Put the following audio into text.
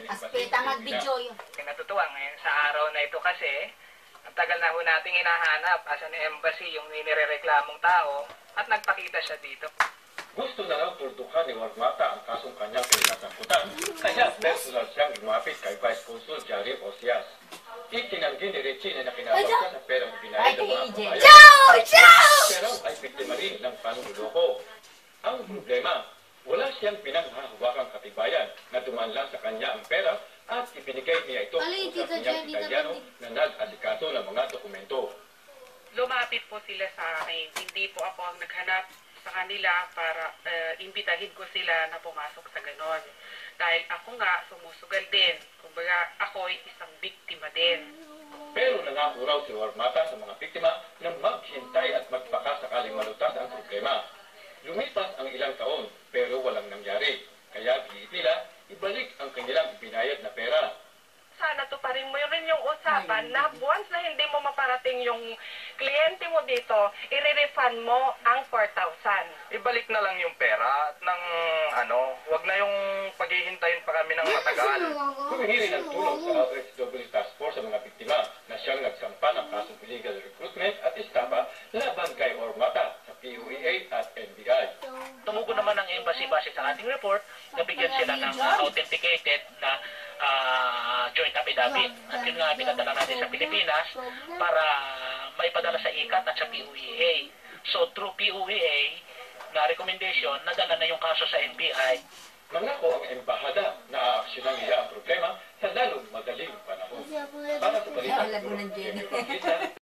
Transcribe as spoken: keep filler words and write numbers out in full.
Aspeta mag-video yun. Natutuwa ngayon sa araw na ito kasi ang tagal na ho nating hinahanap asa ni Embassy yung ninireklamong tao at nagpakita siya dito. Gusto na lang tuldukan ni Warmata ang kasong kanyang pinagkakutan, kaya personal siyang lumapit kay Vice Consul Jari Osias. Itinanggi ni Richie na nakinabang siya sa perang binayad ng mga kabayan. Ciao! Ciao! Pero ay biktima rin ng panluloko. Ang problema, wala siyang pinanghahawakang katibayan na dumaan lang sa kanya ang pera at ibinigay niya ito sa kanyang Italiano na nag-asikaso ng mga dokumento. Lumapit po sila sa akin. Hindi po ako ang naghanap sa kanila para uh, imbitahin ko sila na pumasok sa ganon. Dahil ako nga sumusugal din. Kumbaga ako'y isang biktima din. Pero nangako raw si Warmata sa mga biktima na maghintay at magpaka sakaling malutas ang problema. Lumipas ang ilang taon pero walang nangyari. Kaya giit nila ibalik ang kanilang ibinayad na pera. Sana to pa rin mo rin yung usapan na once na hindi mo maparating yung kliyente mo dito, i-refund mo ang four thousand. Ibalik na lang yung pera at ng ano, wag na yung paghihintayin pa kami ng matagal. Humingi rin ng tulong sa R S W Task Force sa mga biktima na siyang nagsampa ng kasong illegal recruitment at estafa laban kay Warmata sa P U E A at N B I. Tumugon naman ang embassy base sa ating report, nabigyan sila ng uh, authenticated na uh, joint affidavit. At yun nga pinadala natin sa Pilipinas para maipadala sa I C A T at sa P U E A. So through P U E A na recommendation, nadala na yung kaso sa N B I. Nangako ang embahada na aaksyonan nila ang problema sa lalong madaling panahon. Para sa balita,